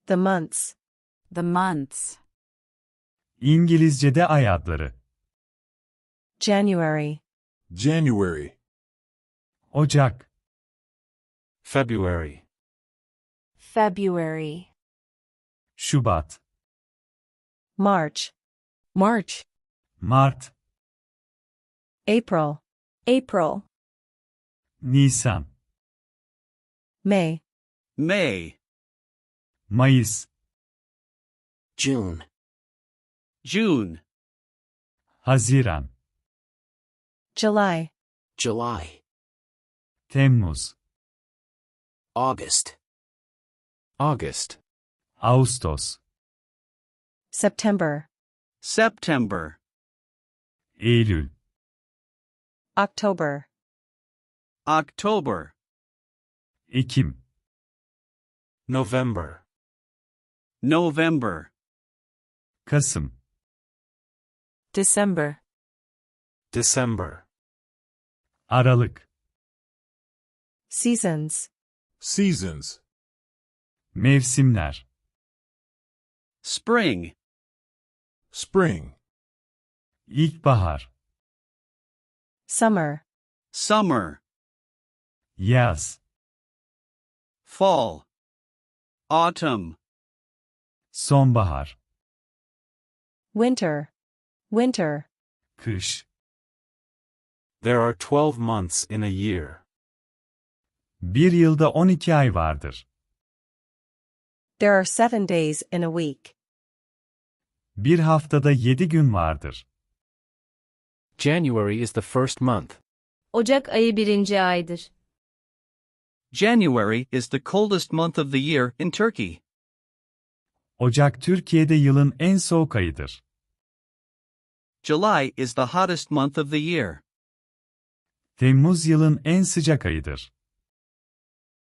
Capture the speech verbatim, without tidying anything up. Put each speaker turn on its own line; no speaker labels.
The months.
The months.
İngilizce'de ay adları.
January.
January.
Ocak,
February.
February.
Şubat,
March.
March.
Mart,
April.
April.
Nisan,
May.
May,
Mayıs,
June.
June,
Haziran,
July.
July.
Temmuz,
August.
August.
Ağustos,
September.
September,
Eylül,
October.
October,
Ekim,
November.
November,
Kasım,
December.
December.
Aralık,
Seasons.
Seasons.
mevsimler,
spring,
Spring.
ilkbahar,
Summer.
summer,
yaz,
fall, autumn,
sonbahar,
Winter. Winter.
kış.
There are twelve months in a year.
Bir yılda on iki ay vardır.
There are seven days in a week.
Bir haftada yedi gün vardır.
January is the first month.
Ocak ayı birinci aydır.
January is the coldest month of the year in Turkey.
Ocak Türkiye'de yılın en soğuk ayıdır.
July is the hottest month of the year.
Temmuz yılın en sıcak ayıdır.